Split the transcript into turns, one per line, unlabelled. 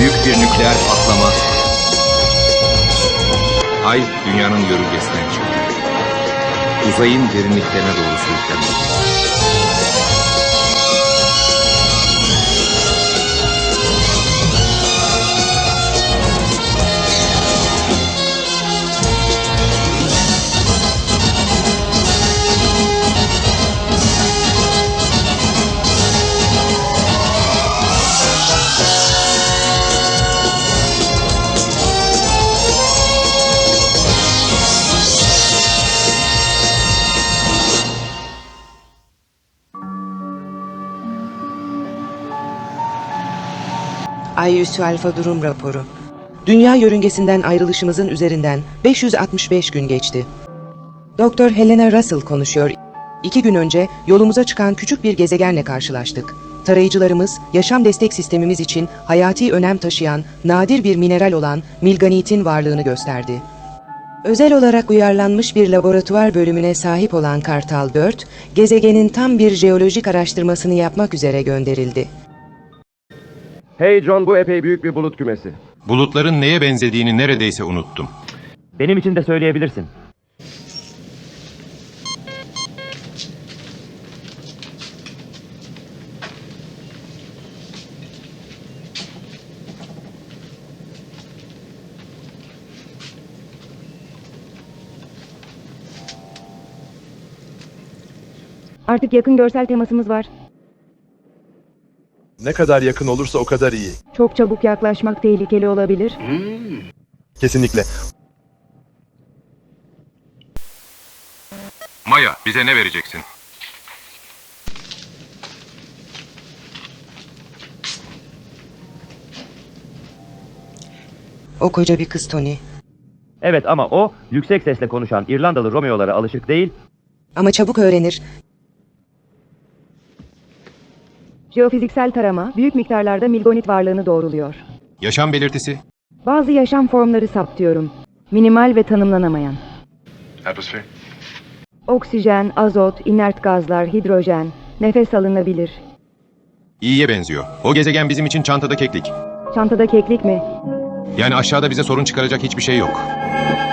Büyük bir nükleer patlama. Ay dünyanın yörüngesinden çıktı. Uzayın derinliklerine doğru sürüklendi.
Ay üssü alfa durum raporu. Dünya yörüngesinden ayrılışımızın üzerinden 565 gün geçti. Doktor Helena Russell konuşuyor. 2 gün önce yolumuza çıkan küçük bir gezegenle karşılaştık. Tarayıcılarımız, yaşam destek sistemimiz için hayati önem taşıyan nadir bir mineral olan milganitin varlığını gösterdi. Özel olarak uyarlanmış bir laboratuvar bölümüne sahip olan Kartal 4, gezegenin tam bir jeolojik araştırmasını yapmak üzere gönderildi.
Hey John, bu epey büyük bir bulut kümesi.
Bulutların neye benzediğini neredeyse unuttum.
Benim için de söyleyebilirsin.
Artık yakın görsel temasımız var.
Ne kadar yakın olursa o kadar iyi.
Çok çabuk yaklaşmak tehlikeli olabilir.
Kesinlikle.
Maya, bize ne vereceksin?
O koca bir kız Tony.
Evet ama o, yüksek sesle konuşan İrlandalı Romeo'lara alışık değil.
Ama çabuk öğrenir.
Jeofiziksel tarama büyük miktarlarda milgonit varlığını doğruluyor.
Yaşam belirtisi?
Bazı yaşam formları saptıyorum. Minimal ve tanımlanamayan.
Atmosfer.
Oksijen, azot, inert gazlar, hidrojen, nefes alınabilir.
İyiye benziyor. O gezegen bizim için çantada keklik.
Çantada keklik mi?
Yani aşağıda bize sorun çıkaracak hiçbir şey yok.